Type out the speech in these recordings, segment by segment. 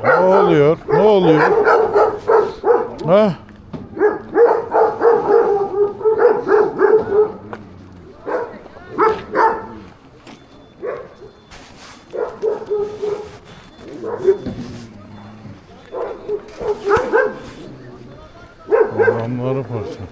Ne oluyor? Ne oluyor? Ha? Adamları parça.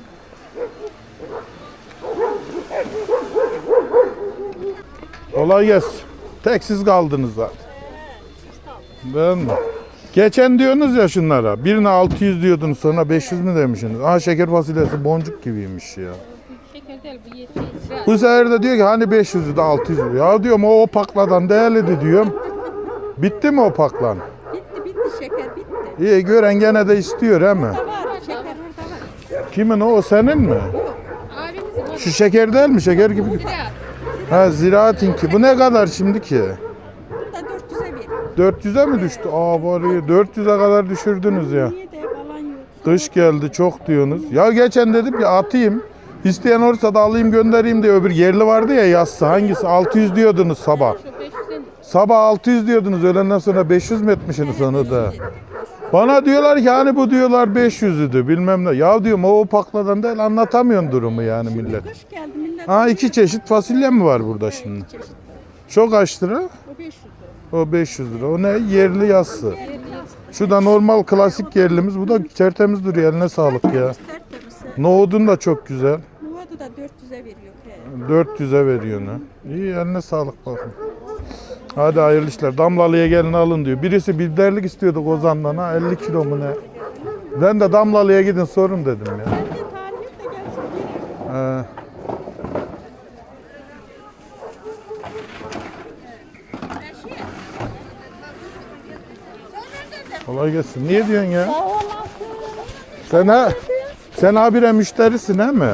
Kolay gelsin. Tek siz kaldınız zaten. Ben mi? Geçen diyorsunuz ya şunlara. Birine 600 diyordunuz, sonra 500 mü demişsiniz? Aha, şeker fasulyesi boncuk gibiymiş ya. Şeker değil bu 70 lira. Bu sefer de diyor ki hani 500'ü de 600 'ü. Ya diyorum o pakladan değerliydi diyorum. Bitti mi o paklan? Bitti şeker bitti. İyi, gören gene de istiyor he mi? Var şeker orada var. Kimin o senin mi? Abimizin Şu şeker değil mi? Şeker gibi. lira. Ha, Ziraat'inki. Bu ne kadar şimdi ki? Bu da 400'e ver. 400'e mi düştü? Aa bari 400'e kadar düşürdünüz ya. Niye de falan yok. Kış geldi çok diyorsunuz. Ya geçen dedim ki atayım. İsteyen olursa da alayım göndereyim diye, öbür yerli vardı ya yassı. Hangisi? 600 diyordunuz sabah. Şu 500'den Sabah 600 diyordunuz, öğlenden sonra 500 mü etmişsiniz onu da? Bana diyorlar ki hani bu diyorlar 500'üdü bilmem ne. Ya diyorum o pakladan değil, anlatamıyorum durumu yani millet. Kış geldi millet. Ha, 2 çeşit fasulye mi var burada şimdi? Çok kaç lira? O 500 lira. O 500 lira. O ne? Yerli yassı. Şu da normal klasik yerlimiz. Bu da tertemiz duruyor. Eline sağlık ya. Tertemiz. Nohudun da çok güzel. Nohudu da 400'e veriyor. 400'e veriyor ne? İyi, eline sağlık bakın. Hadi hayırlı işler. Damlalı'ya gelin alın diyor. Birisi biberlik istiyordu Kozan'dan, ha 50 kilo mu ne? Ben de Damlalı'ya gidin sorun dedim ya. Ben de tarif et de gelsin geliyor. Kolay gelsin. Niye diyorsun ya? Sen habire müşterisin he mi?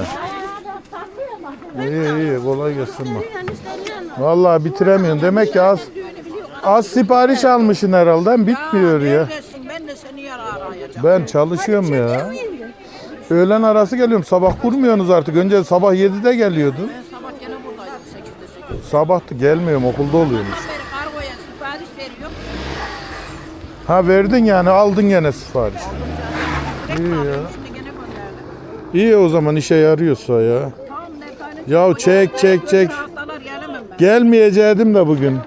İyi kolay gelsin bak. Vallahi bitiremiyorsun. Demek ki az sipariş almışsın herhalde. Bitmiyor ya. Neredesin? Ben de seni arayacağım. Ben çalışıyorum ya. Öğlen arası geliyorum. Sabah kurmuyorsunuz artık. Önce sabah 7'de geliyordun. Ben sabah gene buradaydım 8'de 8. Sabah da gelmiyorum. Okulda oluyormuş. Beri kargoya sipariş veriyorum. Ha, verdin yani. Aldın gene sipariş. İyi ya. Şimdi gene gönderdim. İyi o zaman, işe yarıyorsa ya. Tamam ne tane. Ya çek. Haftalar gelemem ben. Gelmeyecektim de bugün.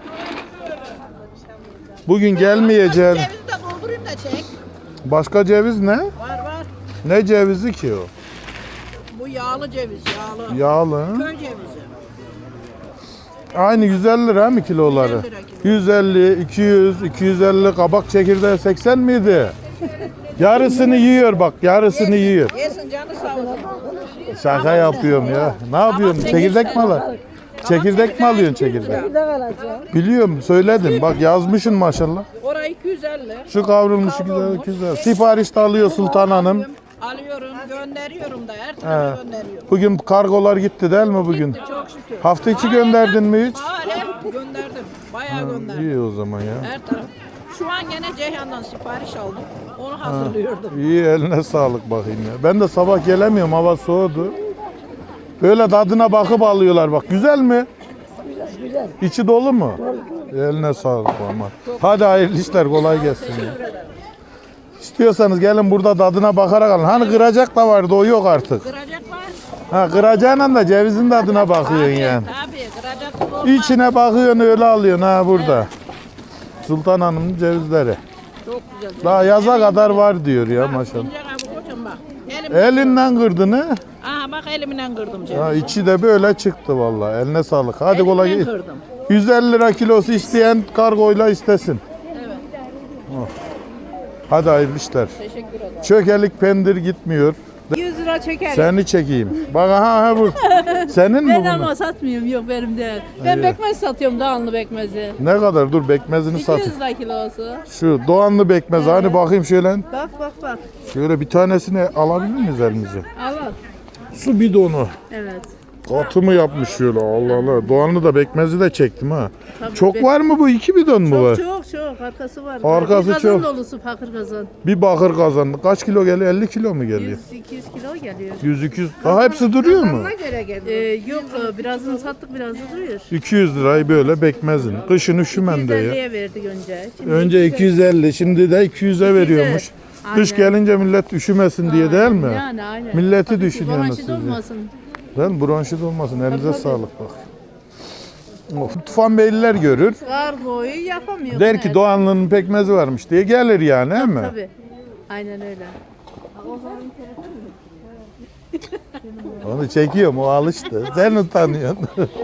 Bugün gelmeyeceğim. Cevizi de doldurayım da çek. Başka ceviz ne? Var. Ne cevizi ki o? Bu yağlı ceviz yağlı. Yağlı. Köy cevizi. Aynı 150 lira mı kiloları? 150 lira kilo. 150, 200, 250, kabak çekirdeği 80 miydi? Yarısını yiyor bak, yarısını yiyor. Yesin canı sağ olsun. Şaka yapıyorum ya. Ne yapıyorsun? Çekirdek mi alıyorsun? Çekirdek mi alıyorsun çekirdek? Biliyorum, söyledim. Bak yazmışsın maşallah. Orayı 250. Şu kavrulmuş güzel. Sipariş de alıyor Sultan Hanım. Alıyorum, gönderiyorum da her tarafa gönderiyorum. Bugün kargolar gitti değil mi bugün? Çok şükür. Hafta içi gönderdin mi hiç? Hep gönderdim. Bayağı gönderdim. İyi o zaman ya. Her taraf. Şu an gene Ceyhan'dan sipariş aldım. Onu hazırlıyordum. İyi, eline sağlık bakayım ya. Ben de sabah gelemiyorum, hava soğudu. Böyle tadına bakıp alıyorlar bak. Güzel mi? Güzel. İçi dolu mu? Eline sağlık ama. Hadi hayırlı işler, kolay gelsin ya. İstiyorsanız gelin burada tadına bakarak alın. Hani kıracak da vardı, o yok artık. Kıracak var. Ha, kıracağına da cevizin tadına bakıyorsun yani. Tabii kıracak olmaz. İçine bakıyorsun, öyle alıyorsun ha burada. Sultan Hanım'ın cevizleri. Çok güzel. Daha yaza kadar var diyor ya maşallah. İnce kabuk hocam bak. Elinden kırdın ha? Aha bak elimden kırdım cevizi. Ha, içi de böyle çıktı vallahi. Eline sağlık. Hadi kolay Elimden gelsin. kırdım. 150 lira kilosu isteyen kargoyla istesin. Evet. Oh. Hadi hayırlı işler. Teşekkür ederim. Çökelik pendir gitmiyor. 100 lira çeker. Seni çekeyim. Bak ha bu. Senin mi Ben bu? ama satmıyorum, yok benim değil. Ben bekmez satıyorum, Doğanlı bekmezi. Ne kadar? Dur bekmezini sat. 200 lira kilosu. Şu Doğanlı bekmez. Hani bakayım şöyle. Bak. Şöyle bir tanesini alabilir miyiz elimize? Al. Su bidonu. Evet. Katı mı yapmış şöyle, Allah Allah. Doğan'ı da bekmezi de çektim ha. Çok var mı bu? 2 bidon mu var? Çok arkası var. Arkası Bir kazan çok. dolusu fakir kazan. Bir bakır kazandı. Kaç kilo geliyor? 50 kilo mu geliyor? 100-200 kilo geliyor. 100-200. Daha hepsi duruyor mu? Yok birazını sattık birazı duruyor. 200 lirayı böyle bekmezin. Kışın üşümem diyor. 250'ye verdik önce. Şimdi Önce 250, şimdi de 200'e veriyormuş. Kış Aynen. gelince millet üşümesin diye değil mi? Yani aynen. Milleti Tabii ki düşünüyorsunuz bronşit siz de. olmasın. Değil mi? Bronşit olmasın. Elinize sağlık bak. Tufan Beyliler görür. Kargoyu yapamıyor. Der ki Doğanlı'nın pekmezi varmış diye gelir yani değil mi? Tabii. Aynen öyle. Onu çekiyorum, o alıştı. Sen utanıyorsun.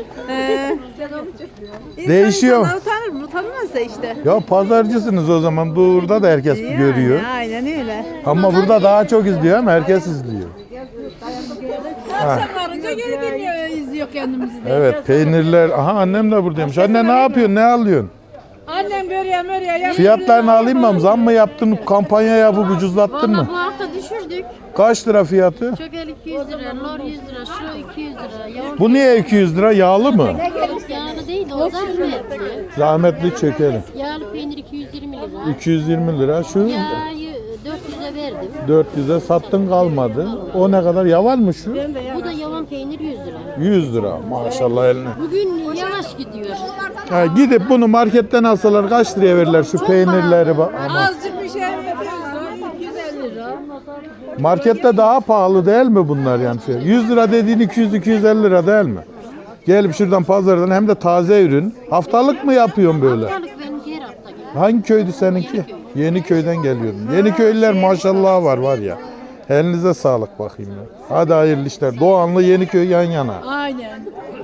Değişiyor. İnsan utanır mı? Utanmaz da işte. Ya pazarcısınız o zaman. Burada da herkes görüyor. Aynen öyle. Ama burada daha çok izliyor ama herkes izliyor. Akşam varınca geri geliyor, izliyor kendimizi de. Evet, peynirler. Aha annem de buradaymış. Anne ne yapıyorsun? Ne alıyorsun? Annem börüye mörüye yapıyor. Fiyatlarını alayım mı? Zam mı yaptın? Kampanya yapıp ucuzlattın Valla mı? bu hafta düşürdük. Kaç lira fiyatı? Çökel 200 lira, lor 100 lira, şu 200 lira. Yoğurt Bu niye 200 lira? Yağlı mı? yağlı değil de o zahmetli. Zahmetli çökelim. Yağlı peynir 220 lira. 220 lira. Şu Yağı 400'e verdim. 400'e sattın kalmadı. O ne kadar? Yavan mı şu? Bu da yavan peynir 100 lira. 100 lira. Maşallah eline. Bugün yavaş gidiyor. Ha, gidip bunu marketten alsalar kaç liraya verirler şu peynirleri? Ama Azıcık bir şey veriyorsa 250 lira. markette daha pahalı değil mi bunlar yani? 100 lira dediğin 200-250 lira değil mi? Gelip şuradan pazardan hem de taze ürün. Haftalık mı yapıyorsun böyle? Haftalık benim diğer hafta geldi. Hangi köydü seninki? Yeniköy'den geliyorum. Yeniköylüler maşallah var ya. Elinize sağlık bakayım ya. Hadi hayırlı işler. Doğanlı Yeniköy yan yana. Aynen.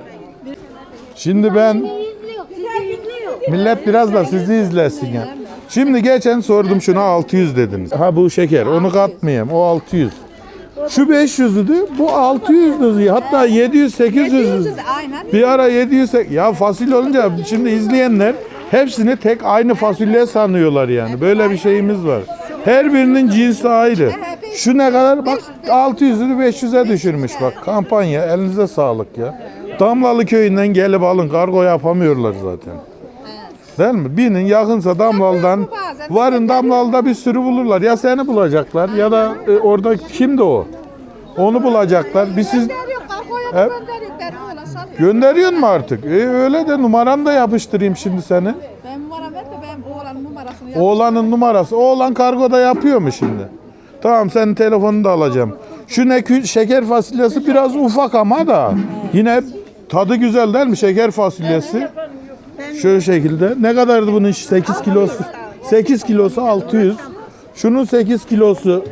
Şimdi ben İzliyor, sizi izliyor. millet biraz da sizi izlesin ya. Şimdi geçen sordum şuna 600 dediniz. Ha bu şeker onu katmayayım o 600. Şu 500'dü bu 600'dü hatta 700-800'dü. Aynen. Bir ara 700 ya fasulye olunca şimdi izleyenler hepsini tek aynı fasulye sanıyorlar yani. Böyle bir şeyimiz var. Her birinin cinsi ayrı. Şu ne kadar? Bak 600'ünü 500'e düşürmüş bak. Kampanya elinize sağlık ya. Damlalı köyünden gelip alın. Kargo yapamıyorlar zaten. Değil mi? Binin yakınsa Damlalı'dan varın Damlalı'da bir sürü bulurlar. Ya seni bulacaklar ya da orada kimdi o? Onu bulacaklar. Bir siz Hep gönderiyor mu artık? Öyle de numaranı da yapıştırayım şimdi seni. Ben numaram ver de ben oğlanın numarasını yap. Oğlanın numarası. Oğlan kargoda yapıyor mu şimdi? Tamam senin telefonunu da alacağım. Şu ne şeker fasulyesi biraz ufak ama da yine tadı güzel değil mi şeker fasulyesi? Şöyle şekilde. Ne kadardı bunun 8 kilosu? 8 kilosu 600. Şunun 8 kilosu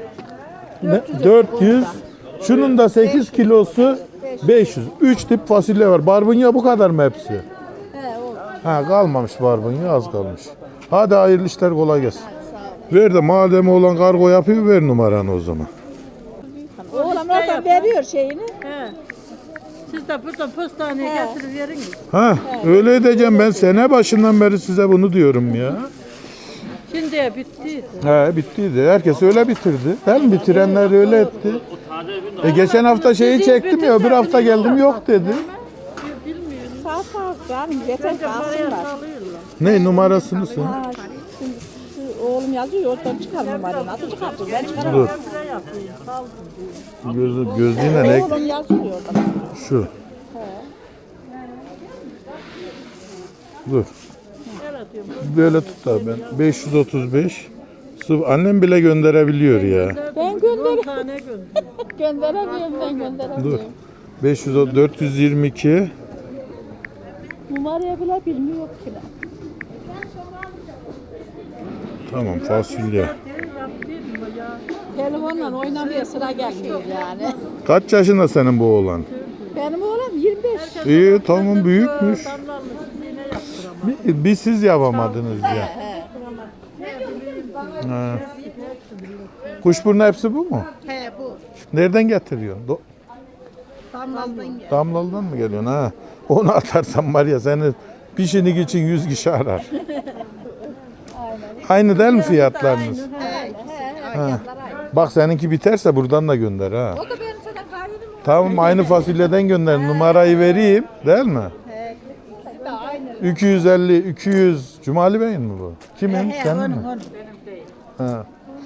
400. Şunun da 8 kilosu 500. 3 tip fasulye var. Barbunya bu kadar mı hepsi? Ha kalmamış barbunya az kalmış. Hadi hayırlı işler kolay gelsin. Ver de madem oğlan kargo yapıyor ver numaranı o zaman. Oğlan oradan veriyor şeyini. Siz de burada postaneye getirip veriniz. Ha öyle edeceğim ben sene başından beri size bunu diyorum ya. Şimdi bitti. He bittiydi. Herkes öyle bitirdi. Değil mi? Bitirenler öyle etti. Geçen hafta şeyi çektim ya öbür hafta geldim yok dedi. Sağ sağ canım yeter ki alsınlar. Ne numarasını sen? Ha, şimdi şu oğlum yazıyor oradan çıkar numarayı. Nasıl çıkartacağız? Ben çıkaramam. Dur. Gözlüğüne ne? Oğlum yazıyor oradan. Şu. Dur. Böyle tut da ben. 535. Annem bile gönderebiliyor ya. Ben gönderemiyorum ben gönderemiyorum. Dur. 422. Numarayı bile bilmiyor ki. Tamam fasulye. Telefonla oynamaya sıra gelmiyor yani. Kaç yaşında senin bu oğlan? Benim oğlum 25. İyi tamam büyükmüş. Bir siz yapamadınız ya. Ha. Kuşburnu hepsi bu mu? He bu. Nereden getiriyorsun? Damlaldan gel. Damlalı'dan mı geliyorsun ha? Onu atarsan var ya seni pişinik için 100 kişi arar. Aynı değil mi fiyatlarınız? Ha. Bak seninki biterse buradan da gönder ha. O da benim sana kahirim Tamam aynı fasulyeden gönder. Numarayı vereyim değil mi? 250 200 Cumali Bey'in mi bu? Kimin? Senin mi? Ha.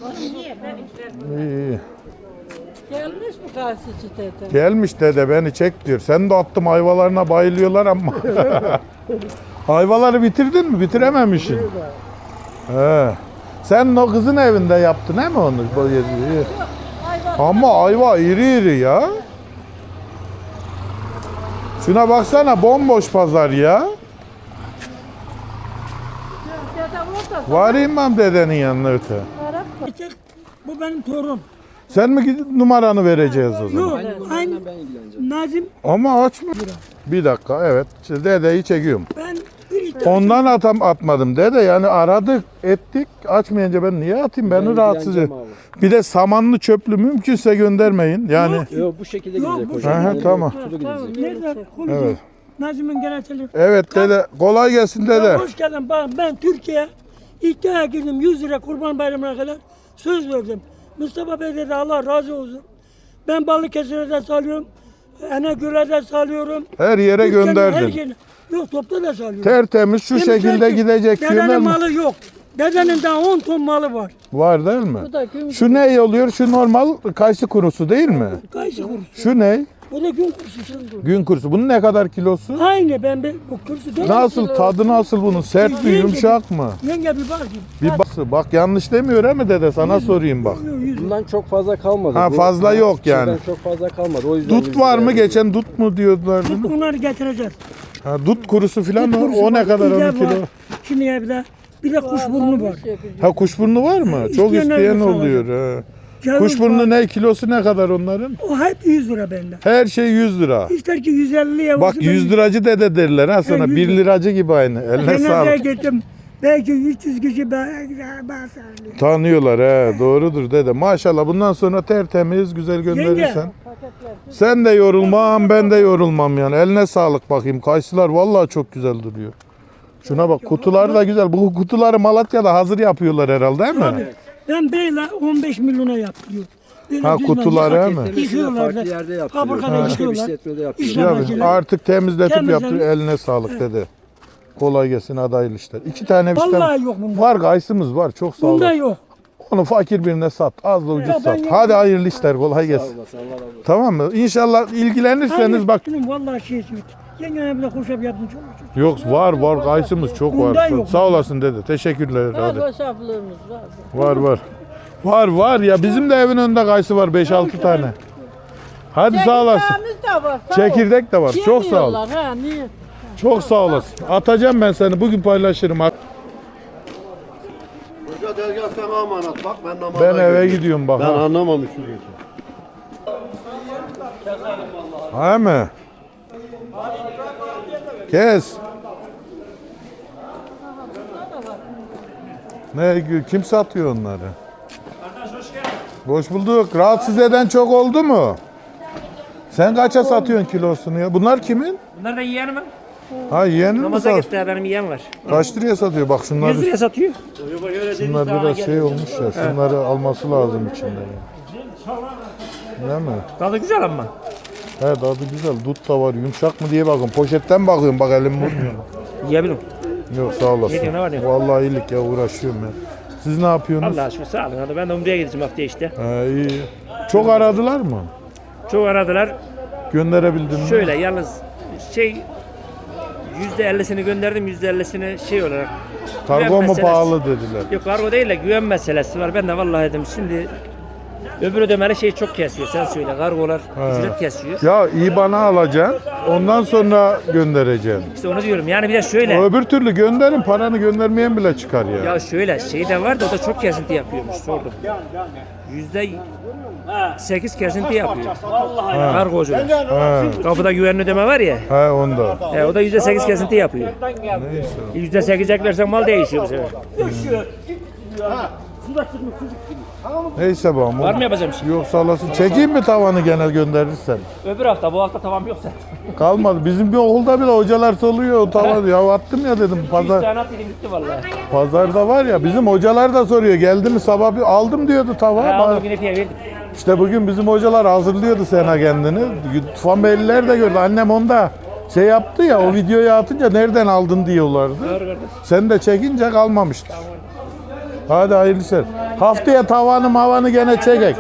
İyi. Gelmiş mi karşıcı teyze? Gelmiş dede beni çek diyor. Sen de attım ayvalarına bayılıyorlar ama. Ayvaları bitirdin mi? Bitirememişsin. He. Sen o kızın evinde yaptın he mi onu? Ama ayva iri iri ya. Şuna baksana bomboş pazar ya. Varayım ben dedenin yanına öte. Bu benim torun. Sen mi numaranı vereceğiz o zaman? Yok, aynı Nazım. Ama açma. Bir dakika evet. İşte dedeyi çekiyorum. Ben bir Ondan atmadım dede yani aradık ettik açmayınca ben niye atayım beni rahatsız et. Bir de samanlı çöplü mümkünse göndermeyin yani. Yok bu şekilde Yok, gidecek bu hocam. Aha, tamam. nerede konuşuyor? Evet. Nazım'ın gerekçeli. Evet dede kolay gelsin dede. Hoş geldin. Ben Türkiye iddiaya girdim 100 lira Kurban Bayramı'na kadar söz verdim. Mustafa Bey dedi Allah razı olsun. Ben Balıkesir'e de salıyorum. Enegöl'e de salıyorum. Her yere Türkiye'nin her gönderdin. yerine- Yok topta da salıyorum. Tertemiz şu Demişler şekilde ki, gidecek Dedenin diyorlar mı? malı yok. Dedenin daha 10 ton malı var. Var değil mi? Bu da gün Şu ne oluyor? Şu normal kayısı kurusu değil mi? Kayısı kurusu. Şu ne? O da gün kurusu. Gün kurusu. Bunun ne kadar kilosu? Aynı bu kurusu değil. Nasıl tadı nasıl bunun? Sert mi yumuşak mı? Yenge bir bak. Bir bak yanlış demiyor he mi dede? Sana sorayım bak. Bundan çok fazla kalmadı. Ha, Bu- fazla yok yani. Şeyden çok fazla kalmadı. O yüzden Dut var mı? Geçen dut mu diyorlar değil mi? Bunları getireceğiz. Ha, dut kurusu falan Dut mı? kurusu O ne var, kadar biber 10 kilo? var. Şimdi bir de kuşburnu var. Ha kuşburnu var mı? Çok İsteyenler isteyen de oluyor. Ha. Ceviz Kuşburnu var. ne? Kilosu ne kadar onların? O hep 100 lira bende. Her şey 100 lira. İster ki 150'ye Bak 100 liracı dede derler ha sana. 100 1 lira. liracı gibi aynı. Eline Cenazeye sağlık. gittim. Belki 300 kişi bağırıyor. Tanıyorlar he. Doğrudur dede. Maşallah bundan sonra tertemiz güzel gönderirsen. Sen de yorulmam ben de yorulmam yani. Eline sağlık bakayım. Kayısılar vallahi çok güzel duruyor. Şuna bak kutular da güzel. Bu kutuları Malatya'da hazır yapıyorlar herhalde değil mi? Ben böyle 15 milyona yaptırıyorum. Böyle Ha, düz kutular bence. he mi? Paketlemesi de Yıkıyorlar farklı da. yerde yaptırıyor. Fabrikada Başka bir yıkıyorlar. işletmede yaptırıyor. İşte- Ya Makineler. artık temizletip Temizlenmiş. yaptır. Eline sağlık dede. Kolay gelsin adaylı işler. 2 tane Vallahi yok bunda. var kayısımız var. Çok sağ Bunda olasın. yok. Onu fakir birine sat. Az da ucuz Ya ben sat. yedim. Hadi hayırlı işler. Kolay gelsin. Tamam mı? İnşallah ilgilenirseniz bak. Benim vallahi şey. Yengene bile hoşaf yaptım çok. Yok var kayısımız çok Bundan var. yok. Sağ olasın dede. Teşekkürler. Hadi. hoşaflığımız var. Var ya bizim de evin önünde kayısı var 5-6 tane. Hadi sağ olasın. Çekirdeğimiz de var. sağ ol. Çekirdek de var. Çok sağ ol. Yemiyorlar, Ha, niye? Çok sağ olasın. Atacağım ben seni. Bugün paylaşırım. Hoca dergah sana emanet bak ben namaza Ben eve gidiyorum. gidiyorum bak. Ben ha. anlamamışım geçen. Ha mı? Kes. Kim satıyor onları? Hoş bulduk. Rahatsız eden çok oldu mu? Sen kaça satıyorsun kilosunu ya? Bunlar kimin? Bunlar da yeğenim mi? Ha yeğenin mi Namaza sat? gitti benim yeğen var. Kaç liraya satıyor? Bak şunlar, 100 liraya satıyor. şunlar biraz şey olmuş ya. Şunları alması lazım içinde. Değil mi? Tadı güzel ama. He tadı güzel. Dut da var. Yumuşak mı diye bakın. Poşetten bakıyorum. Bak elim vurmuyor. Yiyebilirim. Yok sağ olasın. Ne var ne? Vallahi iyilik ya uğraşıyorum ya. Siz ne yapıyorsunuz? Allah aşkına sağ olun. Hadi ben de Umre'ye gideceğim haftaya işte. He, iyi. Çok aradılar mı? Çok aradılar. Gönderebildin mi? Şöyle yalnız %50'sini gönderdim. %50'sini şey olarak. Kargo güven mu meselesi. pahalı dediler. Yok kargo değil de güven meselesi var. Ben de vallahi dedim şimdi öbür ödemeli şey çok kesiyor. Sen söyle kargolar ücret kesiyor. Ya IBAN'a alacaksın. Ondan sonra göndereceksin. İşte onu diyorum. Yani bir de şöyle. Öbür türlü gönderin. Paranı göndermeyen bile çıkar ya. Ya şöyle şey de var da o da çok kesinti yapıyormuş sordum. %8 kesinti yapıyor. Kargocular. He, Kapıda güvenli ödeme var ya. he onda. O da %8 kesinti yapıyor. Neyse. %8 eklersen mal değişiyor bu sefer. Neyse bağım. Var mı yapacağım bir şey? Yok sağ olasın. Çekeyim mi tavanı gene gönderirsen? Öbür hafta bu hafta tamam yoksa. Kalmadı. Bizim bir okulda bile hocalar soruyor o tavanı. Ya attım ya dedim. 3 Pazar, tane at dedim gitti vallahi. pazarda var ya bizim hocalar da soruyor. Geldi mi sabah bir aldım diyordu tava. Ha, aldım yine piye verdim. İşte bugün bizim hocalar hazırlıyordu Sena kendini. Tufan Beyliler de gördü. Annem onda şey yaptı ya, o videoyu atınca nereden aldın diyorlardı. Sen de çekince kalmamıştır. Hadi hayırlı işler. Haftaya tavanı mavanı gene çekek.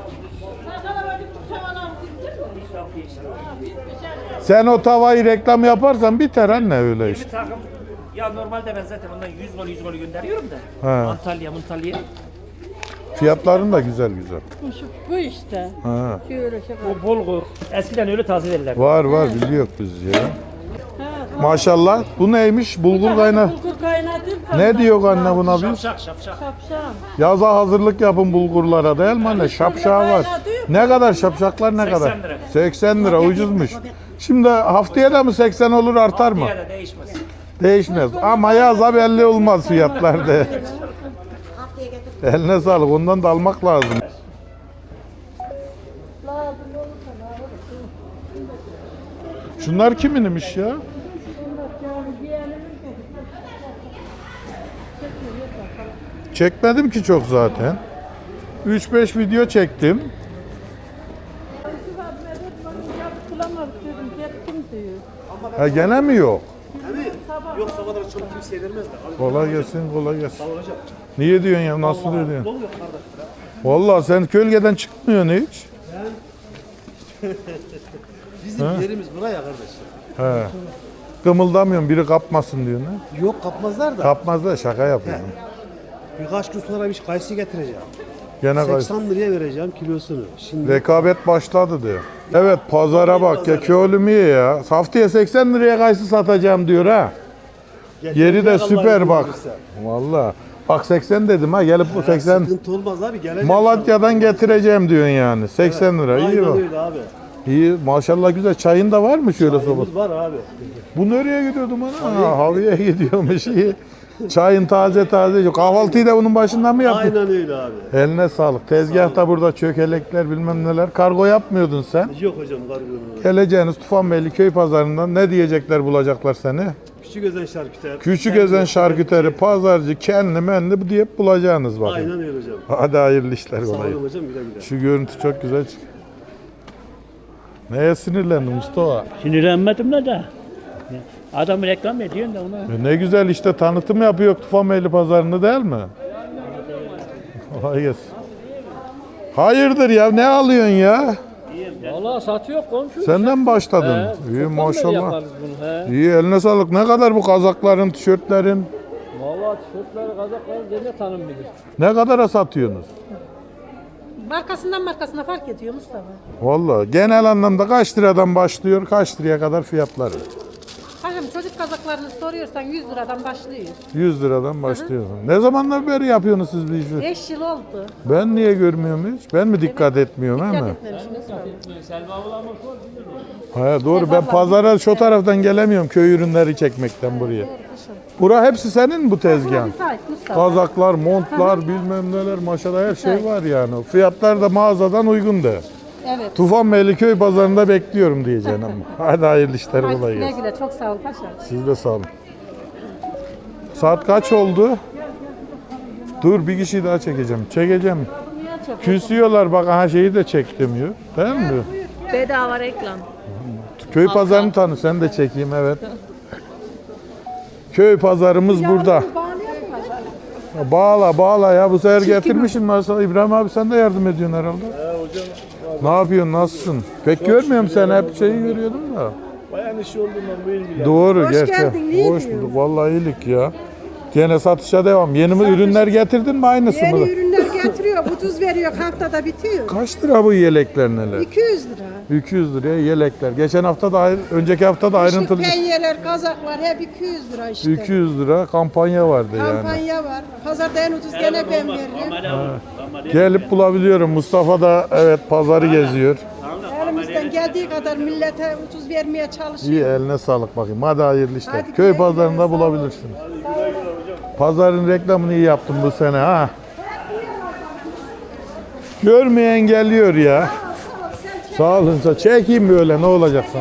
Sen o tavayı reklam yaparsan biter anne öyle işte. Bir takım, ya normalde ben zaten ondan 100 gol gönderiyorum da. He. Antalya. Fiyatların da güzel. Bu işte. Ha. Şöyle şey var. O bulgur. Eskiden öyle taze verirlerdi. Var biliyoruz biz ya. Maşallah. Bu neymiş? Bulgur kaynağı. Bulgur kaynatıp Ne diyor anne buna biz? Şapşak. şapşam. Yaza hazırlık yapın bulgurlara değil mi anne? Şapşağı var. Ne kadar şapşaklar ne kadar? 80 lira. 80 lira ucuzmuş. Şimdi haftaya da mı 80 olur artar mı? Ya da değişmez. Değişmez. Ama yaza belli olmaz fiyatlarda. Eline sağlık. Ondan da almak lazım. Şunlar kiminmiş ya? Çekmedim ki çok zaten. 3-5 video çektim. Bulamadık dedim. Gittim diyor. Ha gene mi yok? Yok sabah kadar çabuk kimseye vermez de. Kolay gelsin. Niye diyorsun ya? Nasıl diyorsun? Vallahi sen kölgeden çıkmıyorsun hiç. Bizim yerimiz buraya kardeş. He. Kımıldamıyorsun, biri kapmasın diyor ne? Yok kapmazlar da. Kapmaz da şaka yapıyorum. Birkaç gün sonra bir kayısı getireceğim. Gene 80 liraya vereceğim kilosunu. Şimdi rekabet başladı diyor. Evet pazara bak ya, köylüm iyi ya. Haftaya 80 liraya kayısı satacağım diyor ha. Yeri de süper bak. Vallahi. Bak 80 dedim ha, gelip bu 80 sıkıntı olmaz abi. Gelecek. Malatya'dan getireceğim diyorsun yani. 80 lira iyi Aynen bak. öyle abi. İyi maşallah güzel. Çayın da var mı şöyle soba? Çayımız var abi. Bu nereye gidiyordum ana? Haviye gidiyormuş iyi. Çayın taze. Kahvaltıyı da bunun başından mı yaptın? Aynen öyle abi. Eline sağlık. Tezgahta burada çökelekler bilmem neler. Kargo yapmıyordun sen. Yok hocam kargonu. Geleceğiniz Tufanbeyli köy pazarından ne diyecekler bulacaklar seni? Küçük özen şarküter. Küçük ezen şarküteri, pazarcı, kenli menli diye bulacağınız bakın. Aynen öyle hocam. Hadi hayırlı işler Sağ kolay. olun hocam güle güle. Şu görüntü çok güzel çık. Neye sinirlendin Mustafa? Sinirlenmedim de. Adamı reklam ediyorsun da ona. Ne güzel işte tanıtım yapıyor Tufanbeyli pazarını değil mi? Kolay gelsin. Hayırdır ya, ne alıyorsun ya? Valla satıyor komşu. Senden başladın. İyi maşallah. Yaparız bunu, he. İyi eline sağlık. Ne kadar bu kazakların, tişörtlerin? Valla tişörtleri, kazakları gene tanım bilir. Ne kadara satıyorsunuz? Markasına fark ediyor Mustafa. Vallahi genel anlamda kaç liradan başlıyor, kaç liraya kadar fiyatları? Hocam çocuk kazaklarını soruyorsan 100 liradan başlıyor. 100 liradan başlıyorsun. Ne zamandan beri yapıyorsunuz siz bu işi? 5 yıl oldu. Ben niye görmüyorum hiç? Ben mi dikkat etmiyorum he mi? Ha, doğru ben pazara şu taraftan gelemiyorum köy ürünleri çekmekten buraya. Bura hepsi senin mi bu tezgahın? Kazaklar, montlar, bilmem neler maşallah her şey var yani. Fiyatlar da mağazadan uygun de. Evet. Tufanbeyli köy pazarında bekliyorum diyeceksin ama. Hadi hayırlı işler kolay Güle gelsin. güle çok sağ ol paşa. Siz de sağ olun. Saat kaç oldu? Dur bir kişi daha çekeceğim. Çekeceğim. Küsüyorlar bak aha şeyi de çek demiyor. Değil mi? Bedava reklam. Köy pazarını tanı sen de çekeyim evet. Köy pazarımız burada. Bağla ya bu sefer getirmişsin mesela İbrahim abi sen de yardım ediyorsun herhalde. Hocam Ne yapıyorsun nasılsın? Pek görmüyorum sen hep şeyi görüyordum da. bayan işi olduğundan bu ilgilen. Doğru gerçi. Hoş bulduk vallahi iyilik ya. Gene satışa devam. Yeni mi ürünler getirdin mi aynısı mı? Yeni ürünler getiriyor, ucuz veriyor, haftada bitiyor. Kaç lira bu yelekler neler? 200 lira. 200 liraya yelekler. Geçen hafta da önceki hafta da ayrıntılı. Penyeler, kazaklar hep 200 lira işte. 200 lira kampanya vardı yani. Kampanya var. Pazarda en ucuz gene ben veririm. Gelip bulabiliyorum. Mustafa da evet pazarı geziyor. Elimizden geldiği kadar millete ucuz vermeye İyi çalışıyoruz. eline sağlık bakayım. Hadi hayırlı işler. Hadi Köy güle güle, pazarında sağ ol. bulabilirsiniz. Pazarın reklamını iyi yaptım bu sene ha. Görmeyen geliyor ya. Sağ olun. Çekeyim böyle ne olacak sana.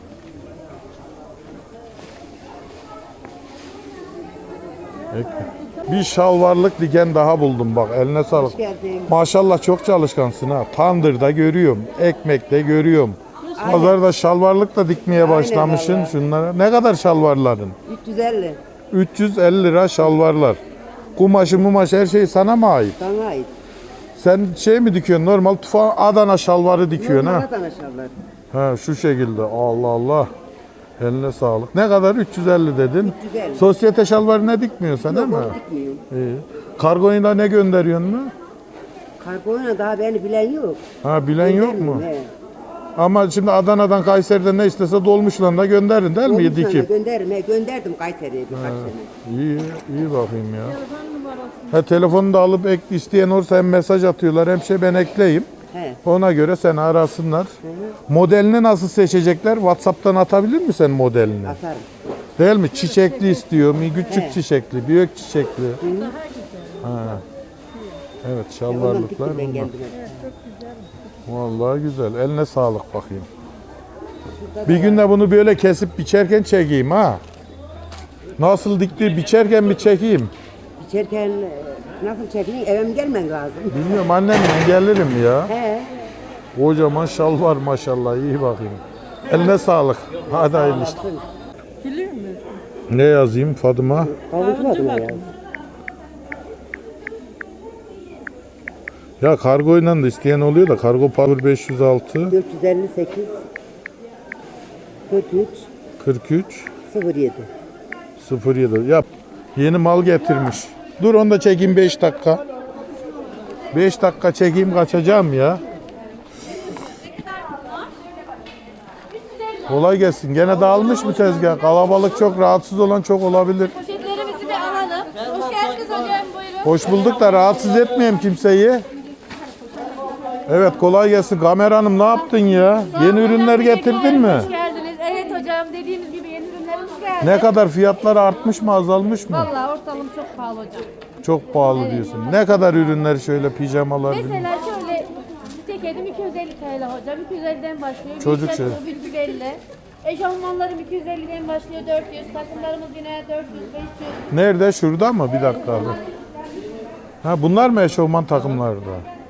Peki. Bir şalvarlık diken daha buldum bak. Eline sağlık. Maşallah çok çalışkansın ha. Tandırda görüyorum. Ekmekte görüyorum. Pazarda şalvarlık da dikmeye başlamışsın şunlara. Ne kadar şalvarların? 350. 350 lira şalvarlar. Kumaşı mumaş her şey sana mı ait? Sana ait. Sen şey mi dikiyorsun? Normal Adana şalvarı dikiyorsun ha? Adana şalvar. Ha şu şekilde. Allah Allah. Eline sağlık. Ne kadar? 350 dedin. 350. Sosyete şalvarı ne dikmiyorsun değil mi? Dikmiyorum. İyi. Kargoyla ne gönderiyorsun mu? Kargoyla daha beni bilen yok. Ha bilen yok mu? He. Ama şimdi Adana'dan Kayseri'den ne istese dolmuşla da gönderin değil mi? Dikip. Gönderdim. Gönderdim Kayseri'ye birkaç sene. İyi, iyi bakayım ya. Ha telefonu da alıp isteyen olursa hem mesaj atıyorlar hem şey ben ekleyeyim. He. Ona göre seni arasınlar. Modelini nasıl seçecekler? WhatsApp'tan atabilir mi sen modelini? Atarım. Değil mi? Çiçekli istiyor mu? Küçük çiçekli, büyük çiçekli. Ha. Evet, şalvarlıklar Ben bunlar. kendime. Vallahi güzel. Eline sağlık bakayım. Bir gün de bunu böyle kesip biçerken çekeyim ha. Nasıl dikti biçerken bir çekeyim. İçerken nasıl çekeyim? Eve mi gelmen lazım? Bilmiyorum annemle gelirim ya. He. Kocaman şal var maşallah iyi bakayım. Eline sağlık. Hadi hayırlı işler. Ne yazayım Fatıma? Kavuşmadım ya. Ya kargoyla da isteyen oluyor da kargo power 506 458 43 43 07. 07 yap. Yeni mal getirmiş. Dur onu da çekeyim 5 dakika. 5 dakika çekeyim kaçacağım ya. Kolay gelsin. Gene dağılmış mı tezgah? Kalabalık çok, rahatsız olan çok olabilir. Poşetlerimizi bir alalım. Hoş geldiniz hocam, buyurun. Hoş bulduk da rahatsız etmeyeyim kimseyi. Evet kolay gelsin. Kameranım ne yaptın ya? Yeni ürünler getirdin mi? Hoş geldiniz. Evet hocam, dediğimiz gibi yeni ürünlerimiz geldi. Ne kadar fiyatları artmış mı azalmış mı? Vallahi ortalım çok pahalı hocam. Çok pahalı diyorsun. Ne kadar ürünler şöyle pijamalar? Mesela şöyle ceketim 250 TL hocam. 250'den başlıyor. Çocuk Bir şey. 350. Eşofmanlarım 250'den başlıyor. 400. Takımlarımız yine 400, 500. Nerede? Şurada mı? Bir dakika abi. Ha bunlar mı eşofman takımlarda?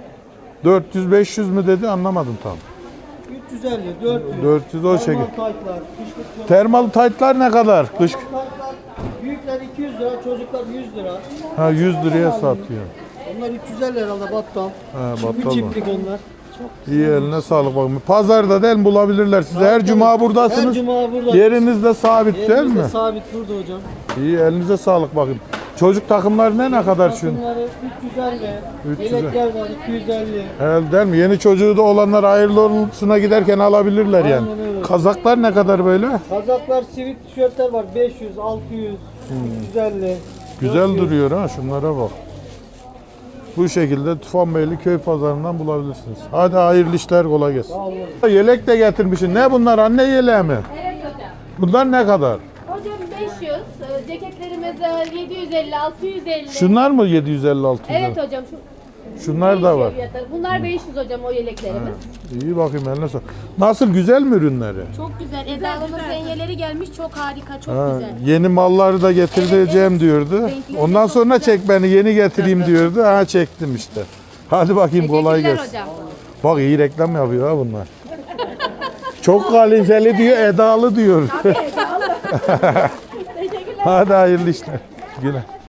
400-500 mü dedi anlamadım tam. 350, 400. 400 o şekilde. Taytlar, kışlık Termal taytlar ne kadar? Kış. taytlar. Büyükler 200 lira, çocuklar 100 lira. Ha 100 liraya satıyor. Onlar 350 herhalde battal. Ha Bir battal mı? çiftlik onlar. İyi eline sağlık bakın. Pazarda değil mi bulabilirler sizi. Her cuma buradasınız. Her cuma burada. Yeriniz de sabit değil Yerimizde mi? sabit burada hocam. İyi elinize sağlık bakın. Çocuk takımları ne kadar şun? Bunları 350. 350. Yelekler var 250. Herhalde değil mi? Yeni çocuğu da olanlar hayırlı olsuna giderken alabilirler yani. Aynen öyle. Kazaklar ne kadar böyle? Kazaklar, sivit tişörtler var 500, 600, 350. Güzel 400. duruyor ha şunlara bak. Bu şekilde Tufanbeyli köy pazarından bulabilirsiniz. Hadi hayırlı işler kolay gelsin. Yelek de getirmişsin. Ne bunlar anne yeleği mi? Evet hocam. Bunlar ne kadar? Hocam 500. Ceketlerimiz 750, 650. Şunlar mı 750 Evet hocam. Şunlar da var. Fiyatları. Bunlar 500 hocam o yeleklerimiz. İyi bakayım eline sağlık. Nasıl güzel mi ürünleri? Çok güzel. Eda'nın penyeleri gelmiş. Çok harika. Çok Ha, güzel. yeni malları da getireceğim diyordu. Renkleri Ondan çok sonra güzel. çek beni yeni getireyim diyordu. Ha çektim işte. Hadi bakayım kolay Teşekkürler gelsin. hocam. Bak iyi reklam yapıyor ha bunlar. Çok kaliteli diyor, edalı diyor. Teşekkürler. Hadi hayırlı işler. Güle.